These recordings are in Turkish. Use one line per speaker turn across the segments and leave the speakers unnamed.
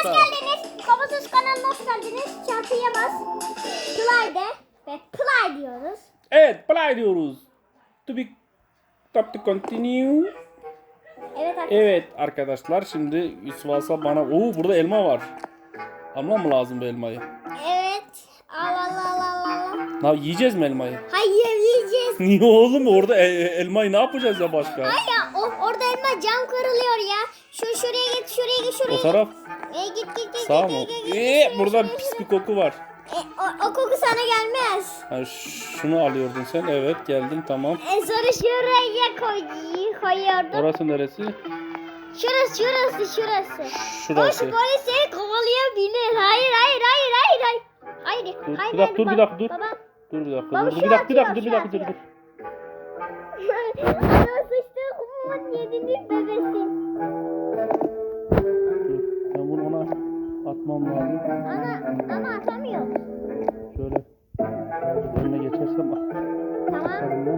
arkadaşlar.
Hoş geldiniz. Kabasız kanalına hoş geldiniz. Çarpıya bas. Play de ve play diyoruz.
Evet, play diyoruz. To continue.
Evet arkadaşlar.
Evet arkadaşlar, şimdi Yusuf Aslan bana... Oo, burada elma var. Almam mı lazım bu elmayı?
Evet. Al al al al al.
Ya, yiyeceğiz mi elmayı?
Hayır yiyeceğiz.
Niye oğlum? Orada elmayı ne yapacağız ya başka?
Ay ya orada elma cam kırılıyor ya. Şuraya git şuraya git şuraya
O
git.
taraf
Git.
sağ mı?
Şuraya,
Burada
şuraya,
pis bir
şuraya.
koku var.
O koku sana gelmez.
Ha, şunu alıyordun sen. Evet, geldim, tamam.
Sonra şuraya koyuyordum.
Orası neresi?
Şurası.
Şurası.
Polis seni kovalayabilir. Hayır.
Dur bir dakika dur.
Baba.
Dur bir dakika.
Baba,
Dur
şu
bir dakika.
atıyor,
Dur bir
şu
dakika. Dur.
atıyor. Ana sıçtı kumun yediniz bebesin.
Ben bunu ona atmam lazım.
Ama atamıyor.
Şöyle önüne geçersem
Tamam.
atarım.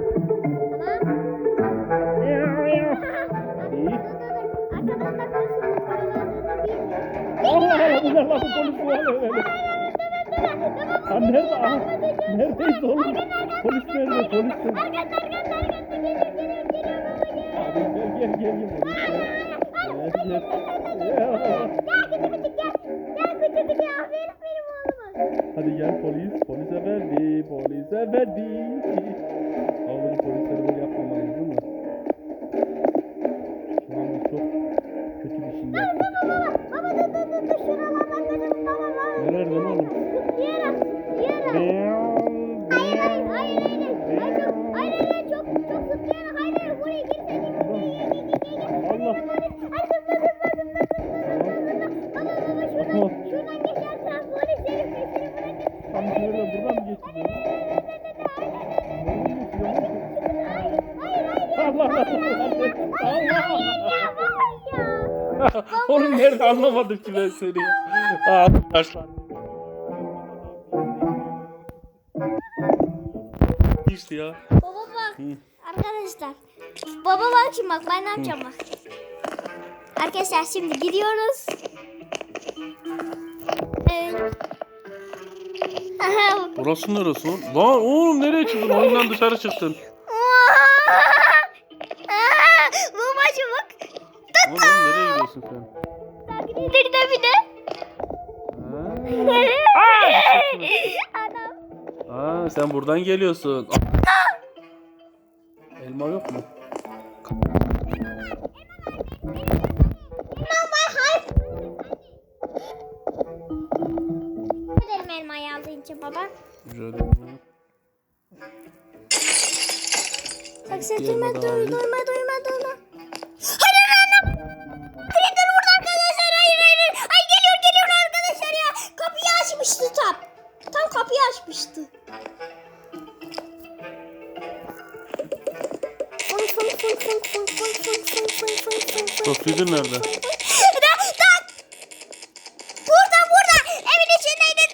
İyi.
Arkadaşlar konuşuyoruz. Paralandığını bilmiyor.
Allah bu ne lan, bu polis var öyle. Ha, nerede? Aha, neredeyiz oğlum? Polis nerede? Polis nerede?
Arkadaşlar geliyor baba
Gel. Gel.
Gel küçük aferin benim oğluma.
Hadi gel polis. Polise verdi. Oğlum, polisleri böyle yapmamalıyız değil mi? Şu anda çok kötü bir şey yaptık.
Baba dur şuralardan kaçalım baba.
Nereden oğlum?
Zıplayarak. Hayır çok zıplayarak hayır buraya girmeyin.
Allah.
Baba şuradan geçersen polis herif seni bırakır.
Tam şöyle buradan mı geçiyor? Allah. Oğlum nerede, anlamadım ki ben seni. Arkadaşlar. İşte ya.
Baba bak. Arkadaşlar. Baba bak şimdi bak ben ne yapacağım bak. Arkadaşlar şimdi gidiyoruz.
Burası neresi lan? Lan oğlum, nereye çıktın? Oyundan dışarı çıktın.
Babacım bak.
Oğlum nereye gidiyorsun sen?
Bir de. Adam.
Sen buradan geliyorsun. Elma yok mu?
Gidelim elmayı aldığın için baba.
Güzel.
Taksi
Gel
duyma.
bakalım.
Hayır annem. Hayır dur burada arkadaşlar. Hayır. Ay geliyor arkadaşlar ya. Kapıyı açmıştı tam. Tam kapıyı açmıştı.
Profilin nerede?
Burada. Evin içindeydi.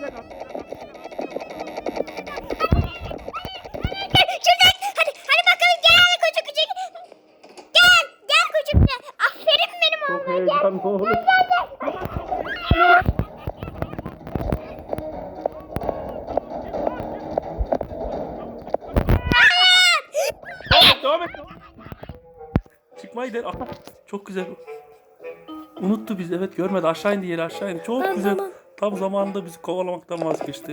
Hadi bakalım gel küçük. Gel küçük. Aferin benim
Çok
oğluma gel.
heyecanlı oğlum. Devam et. Çıkmayı der. Aha, çok güzel. Unuttu bizi, evet, görmedi. Aşağı indi, yeri aşağı indi. Çok güzel.
Tamam.
Tam zamanında bizi kovalamaktan vazgeçti.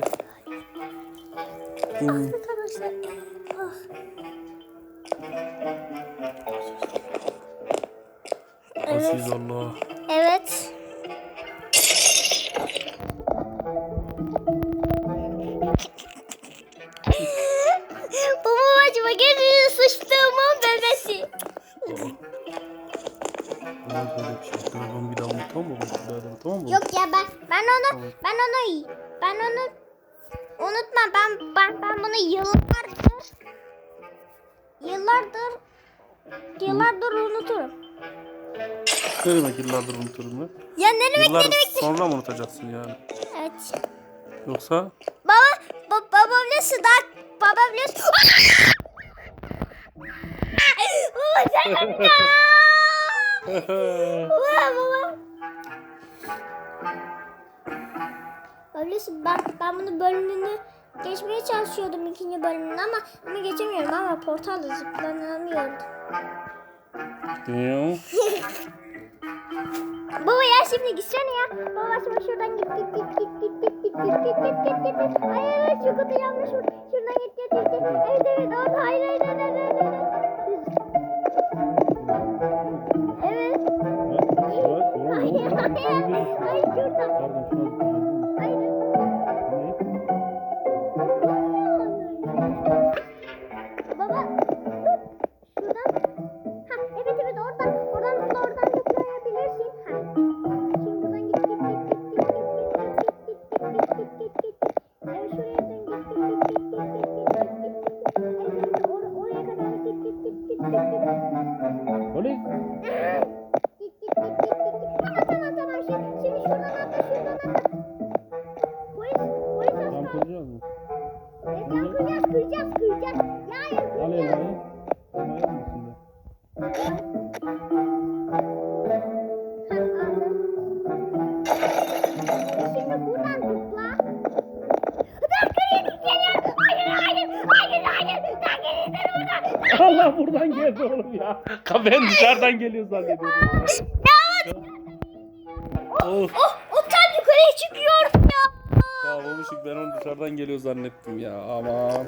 Arkadaşlar.
Aziz Allah.
Evet. Babacığıma gelin sıçtığımın bebesi.
Böyle bir şey. Telefonu bir daha unutamam mı? Tamam mı?
Yok ya ben onu unutmam. Ben bunu yıllardır unuturum.
Ne demek yıllardır unuturum ben?
Ya ne demek
Yıllar sonra mı unutacaksın yani?
Evet.
Yoksa?
Baba biliyorsun baba biliyorsun. Baba sen baba. Öyleyse ben bunu bölümünü geçmeye çalışıyordum ikinci bölümünü ama geçemiyorum ama portalda zıplanamıyorum. Baba ya şimdi gitsene ya. Baba şimdi şuradan git. Hayır şu kutu yanlış. Şuradan git. Evet orada hayır. Evet. Hayır şuradan.
Pardon şuna
Hayır. Baba dur. Şuradan. Ha evet oradan zıplayabilirsin. Ha. Şimdi buradan git. Evet şuraya dön Evet oraya kadar git.
Polis.
Tamam. Şimdi şuradan atla. Polis
Tam
aslan.
kıracağız mı?
Evet ya kıracağız. Ya hayır
Al
kıracağız.
elmayı. Elmayı mı içinde?
Şimdi buradan zıpla. Dakika geliyor. Hayır. Dakika
Allah buradan geldi oğlum ya. Ben dışarıdan geliyor zannediyorum. Of.
O tam yukarıya çıkıyor ya.
Ya babuşuk ben onu dışarıdan geliyor zannettim ya. Aman.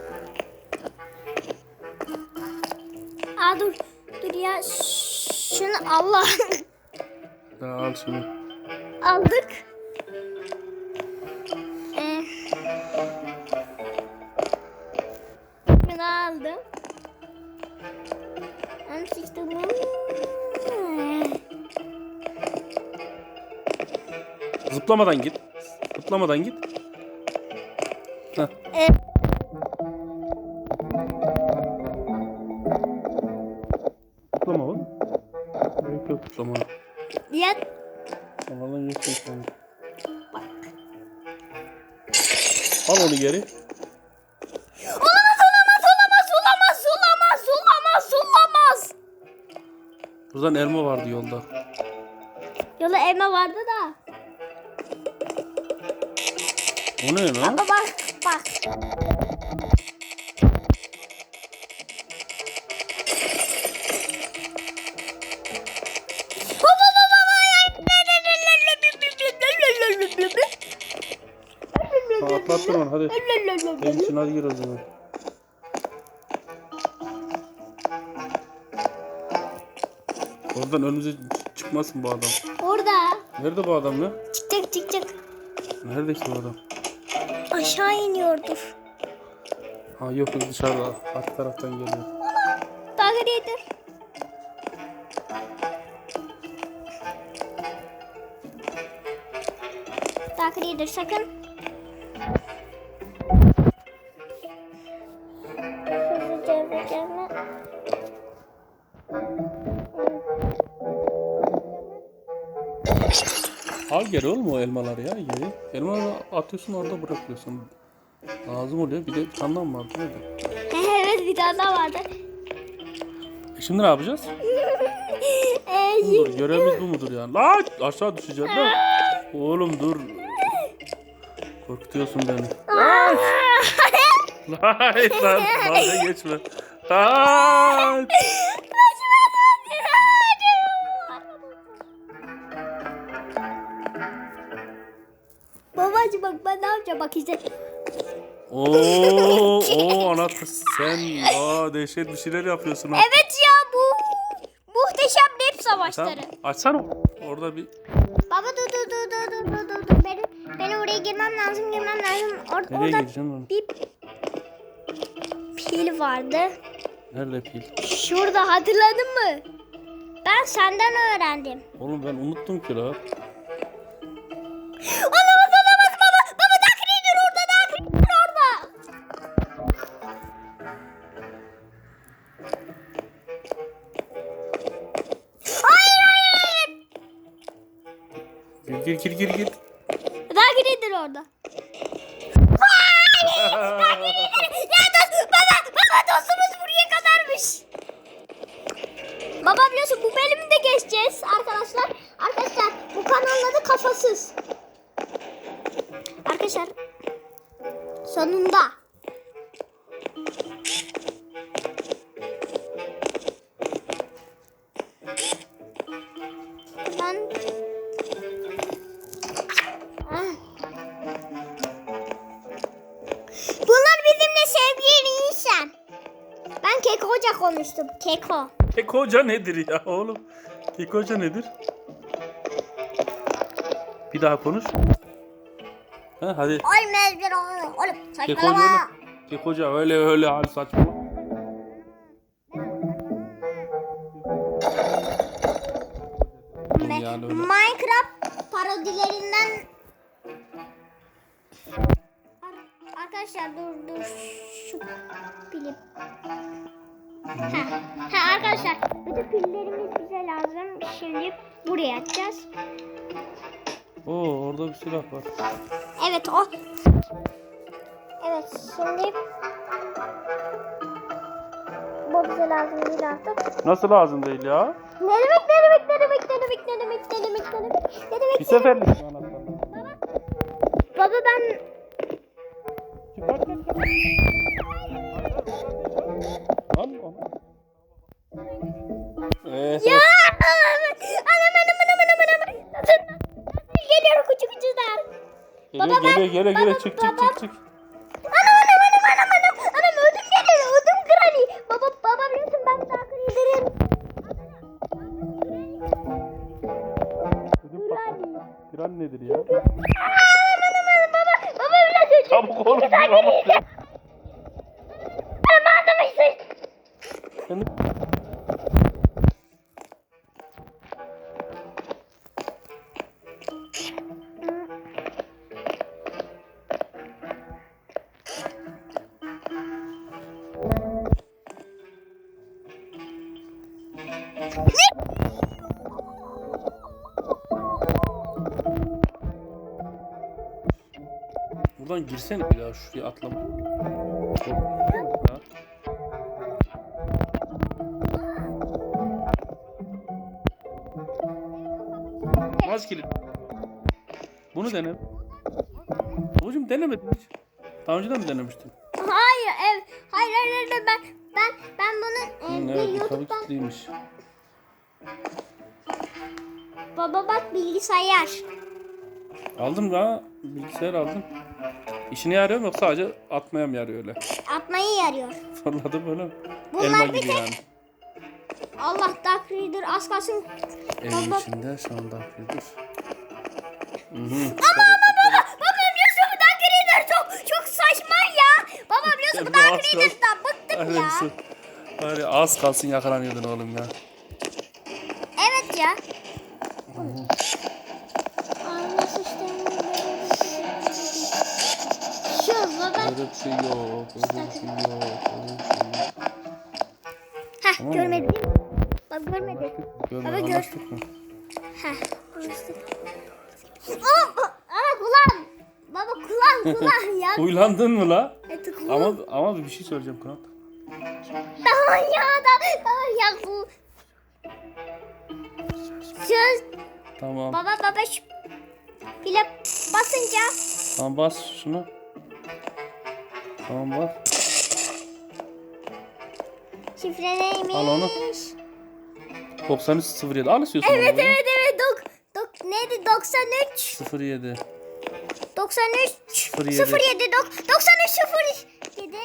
Dur ya. Şunu Allah.
Ya al şunu.
Aldık. Bunu aldım. Ben sıçtım.
Zıplamadan git. Heh. Zıplama oğlum. Yok zıplama.
Ya
Allah'ın yok zıplama. Al onu geri.
Olamaz.
Buradan elma vardı yolda.
Yola elma vardı da.
O ne lan?
Bak.
Atlattın onu hadi. Benim için hadi gir o zaman. Oradan önümüze çıkmasın bu adam.
Orada.
Nerede bu adam ya?
Çık.
Nerede ki bu adam?
Aşağı iniyordur.
Ha yok dışarıda. Arka taraftan geliyor.
Takip edin. Takip edin sakın. Hızlıca yapacağım.
Al geri oğlum o elmaları ya geri. Elmaları atıyorsun orada bırakıyorsun. Lazım oluyor. Bir de bir tane daha mı vardı? Neydi?
Evet bir tane daha vardı.
Şimdi ne yapacağız? Bu mudur? Görevimiz bu mudur yani? Lan aşağı düşeceğim lan. Oğlum dur. Korkutuyorsun beni. Lan dalga geçme. Lan.
Babacığım bak ben ne yapacağım bak işte.
Oo anahtar sen dehşet bir şeyler yapıyorsun. Ha.
Evet ya bu muhteşem rap savaşları.
Tamam, açsana. Orada bir
Baba dur. Benim oraya girmem lazım.
nereye
Orada
gideceksin oğlum?
bir pil vardı.
Nerede pil?
Şurada hatırladın mı? Ben senden öğrendim.
Oğlum ben unuttum ki la.
Olamaz baba. Baba Dark Rider orada. Hayır.
Gir.
Dark Rider orada. Baba dostumuz buraya kadarmış. Baba biliyorsun bu bölümü de geçeceğiz arkadaşlar. Arkadaşlar bu kanalın adı Kafasız. arkadaşlar. Sonunda. Ben Bunlar bizimle sevgili insan. Ben Keko Hoca konuştum. Keko.
Keko Hoca nedir ya oğlum? Keko Hoca nedir? Bir daha konuş. Ha, hadi.
Olmaz bir oğlum.
Keko
Saçmalama.
Hoca, Keko Hoca öyle hal saçma. Yani öyle.
Minecraft parodilerinden arkadaşlar dur şu pilim. Ha arkadaşlar bütün pillerimiz bize lazım. Şimdi buraya atacağız.
Oo, orada bir silah var.
Evet o. Evet şimdi bu bize lazım değil artık.
Nasıl lazım değil ya?
Ne demek?
Bir seferlik anahtar.
Baba ben
Lan onu.
ya anam. Geliyor küçük küçükler.
Geliyor çık.
Anam ödüm geliyor ödüm granny. Baba biliyorsun ben daha kırıldırım.
Kran nedir ya?
Baba biraz
Çabuk oğlum. Buradan girsene bir daha şuraya atlama. Az kilit. Bunu dene. Babacım denemedin hiç. Daha önceden mi denemiştin?
Hayır ben bunu bir
Evet, bu tabii
YouTube'dan
kilitliymiş.
baba bak bilgisayar.
Aldım da bilgisayar aldım. İşine yarıyor mu yoksa sadece atmaya mı yarıyor öyle?
Atmayı yarıyor.
Fırladı böyle.
Bunlar
Elma
bir
gibi
tek-
yani.
Allah Dark Reader az kalsın.
Evin
Baba-
içinde şu anda yapıyordur.
Baba biliyorsun bu Dark Reader çok saçma ya. Baba biliyorsun bu
Sen
Dark
rahat ol.
Reader'dan bıktım ya.
Var ya az kalsın yakalanıyordun oğlum ya.
Evet ya. Nasıl işte? Şu baba.
Öyle bir şey yok.
Heh görmedin. Bak görmedin. Baba gör.
Anlaştık mı?
Heh. Ama kulağım. Baba kulağım ya.
Huylandın mı la?
Evet, kulağım.
Ama bir şey söyleyeceğim Kırat.
Tamam ya bu. Söz.
Tamam.
Baba şu pile basınca.
Tamam bas şunu. Tamam bas.
Şifre neymiş?
Al onu. 9307. Al istiyorsan.
Evet
onu.
evet. Neydi 93
07.
93
07.
07 93 07.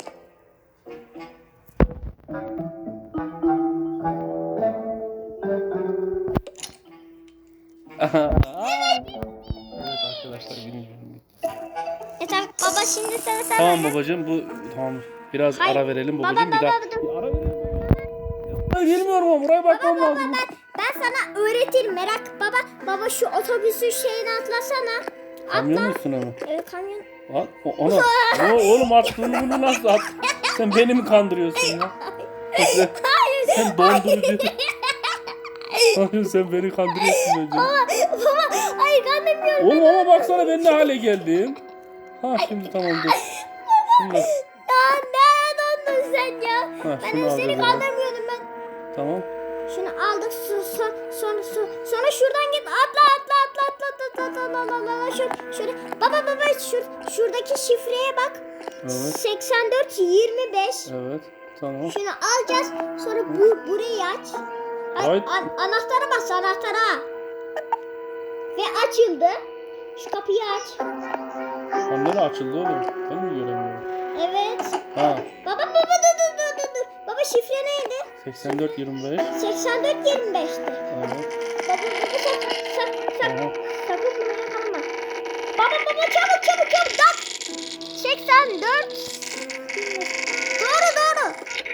Evet arkadaşlar bilmiyorum.
Tamam baba şimdi sen
Tamam babacığım bu tamam biraz
Hayır.
ara verelim
Baba,
babacığım bir
baba,
daha.
dur.
Bir ara verelim. Ben bilmiyorum ama buraya bakmam
Baba
lazım.
ben sana öğretirim merak baba şu otobüsün şeyini atlasana.
Kamyon musun ama?
Evet kamyon.
At, oğlum attığını bunu nasıl at? Sen beni mi kandırıyorsun ya? Sen dondurucu. Hayır sen beni kandırıyorsun bence.
Baba hayır kandırmıyorum.
Oğlum ama baksana ben ne hale geldim. Ha şimdi tamam dur. Şimdi
Ya ne dondun sen ya?
Ha,
Ben
şunu
seni
alacağız
kandırmıyordum ben.
tamam.
Şunu aldık sonra şuradan git atla şöyle. Baba şuradaki şifreye bak.
Evet.
84 25.
Evet. Tamam.
Şunu alacağız. Sonra burayı aç.
Hayır.
Anahtara bas anahtara. Ve açıldı. Şu kapıyı aç.
Anne açıldı oğlum. Ben mi göremiyorum?
Evet.
Ha.
Baba dur. Baba şifre neydi?
84 25.
84 25'ti.
Evet.
Baba
Tamam.
sakın buraya kalma. Baba çabuk bak. 84. Doğru.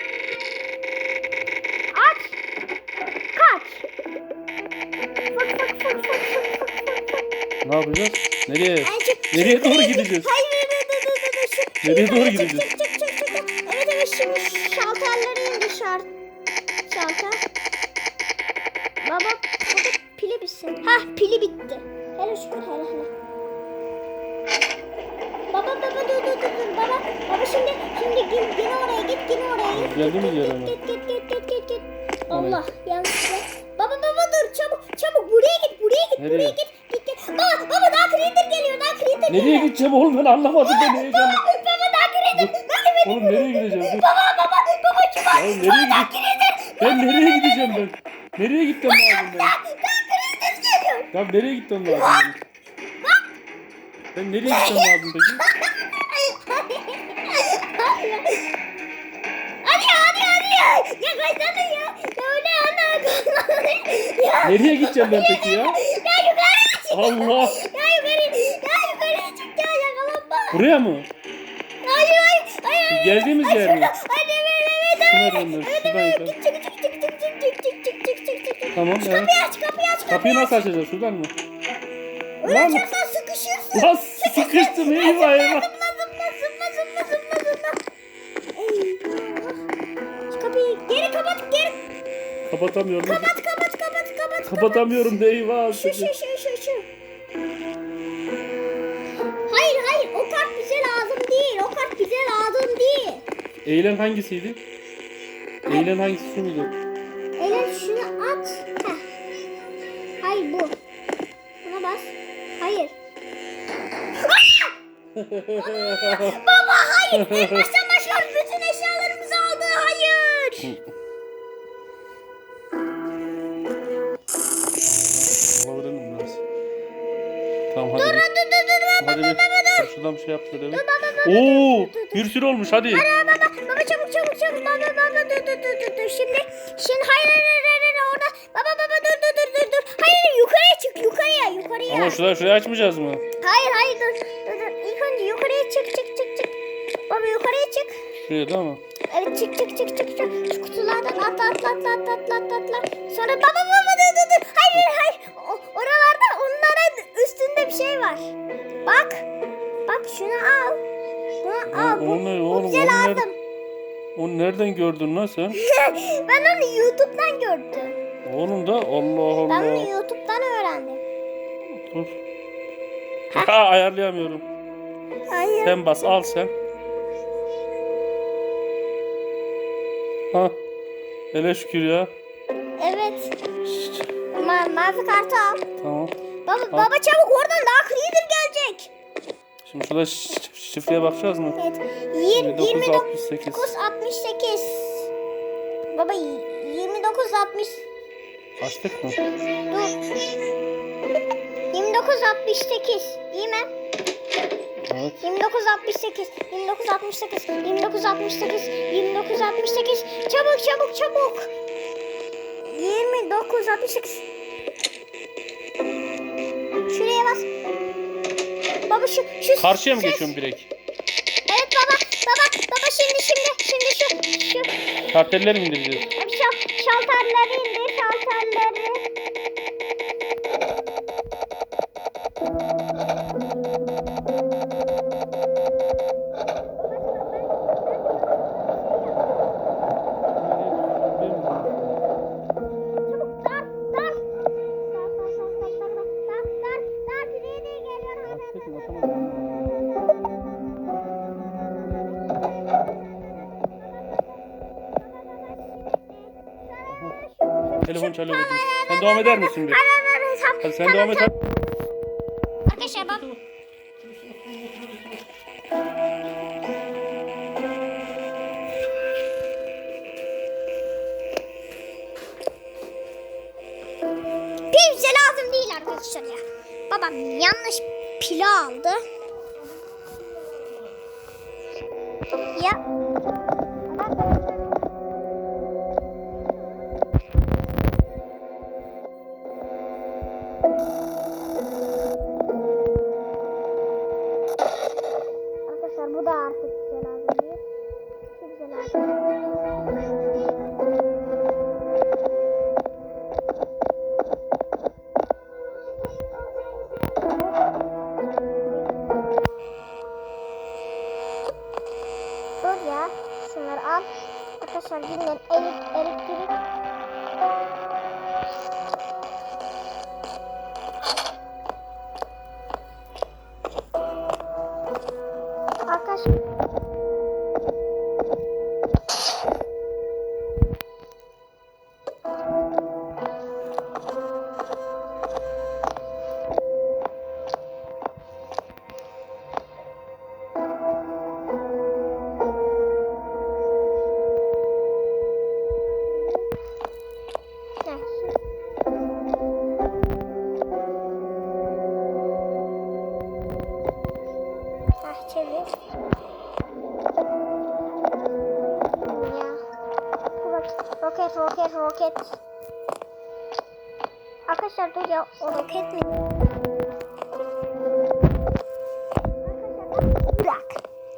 Aç. Kaç. Fık.
Ne yapacağız? Nereye?
Ay, çık.
Nereye doğru gideceğiz?
Hayır. Şu-
Nereye
yukarı
doğru
çık,
gideceğiz?
çık. Evet şimdi şalterleri indi şalter. Baba burada pili bitsin. Pili bitti. Hele şükür hele. Baba dur. Baba şimdi yine oraya git.
Geldi mi yere mi?
Git. Allah yanlışlıkla. Baba dur çabuk buraya git.
Nereye?
Git. Baba daha creeper geliyor.
Nereye gideceğim oğlum ben anlamadım ben heyecanlı.
Baba daha creeper.
Oğlum nereye gideceğim? Dur.
Baba çabuk.
Ya nereye gideceğim? Ben nereye gideceğim ben? Nereye gitmem lazım ben?
Creeper geliyor.
Ya nereye gitmem lazım benim? Ben nereye gitmem lazım peki?
Hadi. Ya kaçsana ya. Ya öyle ana. Ya
Nereye gideceğim ben peki ya?
yukarı çık.
Allah!
Ya yukarı çık ya yakalanma.
Buraya mı?
Hayır.
Geldiğimiz yer mi?
Hadi evet.
Şuna döndür. Şuradan yukarı.
Çık.
Tamam evet.
Kapıyı aç.
Kapıyı nasıl açacağız? Şuradan mı?
Öyle
Lan!
açarsan sıkışırsın.
Lan sıkıştım eyvah.
Zıpla. Şu kapıyı geri kapat.
Kapatamıyorum.
Kapat.
Kapatamıyorum da eyvah.
Şu. Hayır. O kart bize lazım değil.
Eğlen hangisiydi? Eğlen hangisi şu muydu?
Elen şunu at. Hayır bu. Buna bas. Hayır. Baba hayır. En baştan başlıyoruz. Bütün eşyalarımızı aldı. Hayır.
Olabilir mi biraz? Tamam hadi.
Dur.
Hadi bir şuradan bir şey yap şöyle bir. Oo, bir sürü olmuş hadi.
Baba çabuk. Baba dur. Şimdi hayır orada. Baba dur. Hayır yukarıya çık. Yukarıya.
Ama şurayı açmayacağız mı?
Hayır dur. İlk önce yukarıya çık. Baba yukarıya çık.
Şuraya değil mi?
Evet çık. Şu kutulardan atla. Sonra baba dur. Hayır. Oralarda onların üstünde bir şey var. Bak şunu al. Bunu al.
O ne
Bu
oğlum?
bize
Onu
lazım.
Onu nereden gördün lan sen?
Ben onu YouTube'dan gördüm.
Oğlum da Allah
Ben onu
Allah.
YouTube'dan öğrendim.
Dur. Ha ayarlayamıyorum.
Hayır.
Sen bas al sen. Ha. Hele şükür ya.
Evet. Mavi kartı al.
Tamam.
Baba çabuk oradan daha creeper gelecek.
Şimdi şurada şifreye bakacağız mı?
Evet.
2968.
2968. Baba 2960.
Açtık mı?
Dur. 2968. Değil mi?
Evet.
2968. Çabuk. 2968. Şuraya bas. Baba şu
Karşıya mı
ses-
geçiyorum direkt?
Evet baba şimdi şu
Kartelleri mi indireceğiz?
şalterleri indir şalterleri.
Açtık mı? Atamadım. Telefon çalıyor. Sen devam eder misin bir? Hadi sen devam et.
Arkadaşlar bak. Bize lazım değil arkadaşlar ya. Babam yanlış pila aldı. Ya. Arkadaşlar bu da artık bize lazım değil. Bize lazım. Dur ya. Şunları al. Arkadaşlar dinlen. Elektrik. Arkadaşlar. Çevir. Ya. Roket. Arkadaşlar dur ya, o roket mi? Bırak.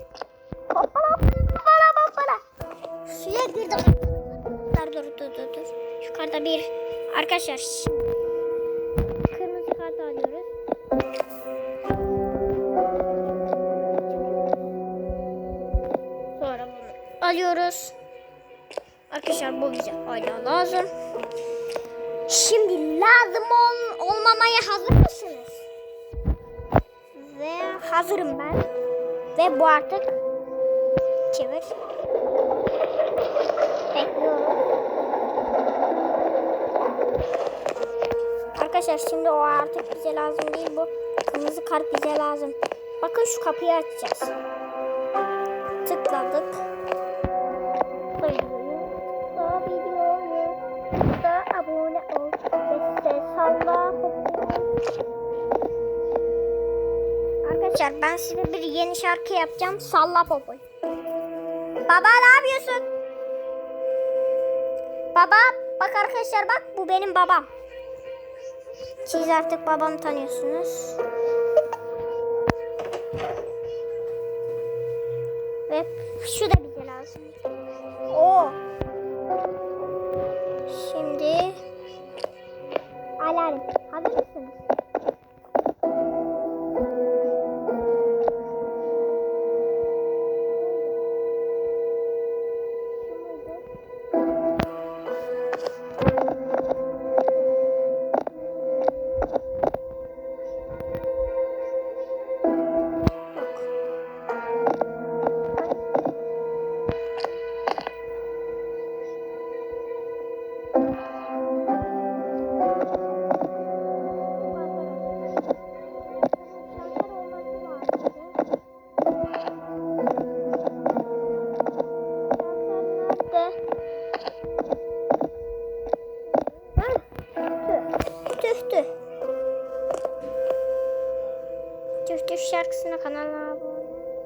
Hoppala. Suya girdim. Dur. Yukarıda bir. Arkadaşlar şimdi kırmızı kart alıyoruz. Sonra bunu alıyoruz. Arkadaşlar bu bize hala lazım. Şimdi lazım olmamaya hazır mısınız? Ve hazırım ben. Ve bu artık çevir. Bekliyorum. Arkadaşlar şimdi o artık bize lazım değil, bu kırmızı kart bize lazım. Bakın şu kapıyı açacağız. Tıkladık. Da abone ol ve salla. Arkadaşlar ben size bir yeni şarkı yapacağım. Salla popoy. Baba ne yapıyorsun? Baba bak arkadaşlar, bak bu benim babam. Siz artık babamı tanıyorsunuz. Ve şu da bize lazım. Oo. Şimdi alarm. Hazır mısınız? Tüh şarkısına kanala abone.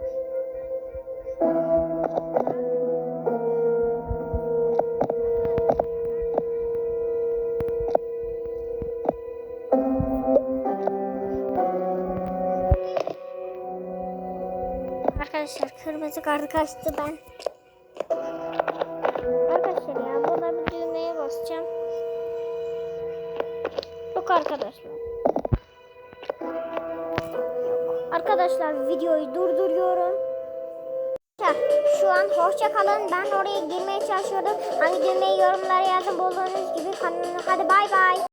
Arkadaşlar kırmızı kartı kaçtı ben. Arkadaşlar ya buna bir düğmeye basacağım. Yok arkadaşlar. Arkadaşlar videoyu durduruyorum. Şu an hoşça kalın. Ben oraya girmeye çalışıyorum. Hangi düğmeyi yorumlara yazın bulduğunuz gibi. Hadi bay bay.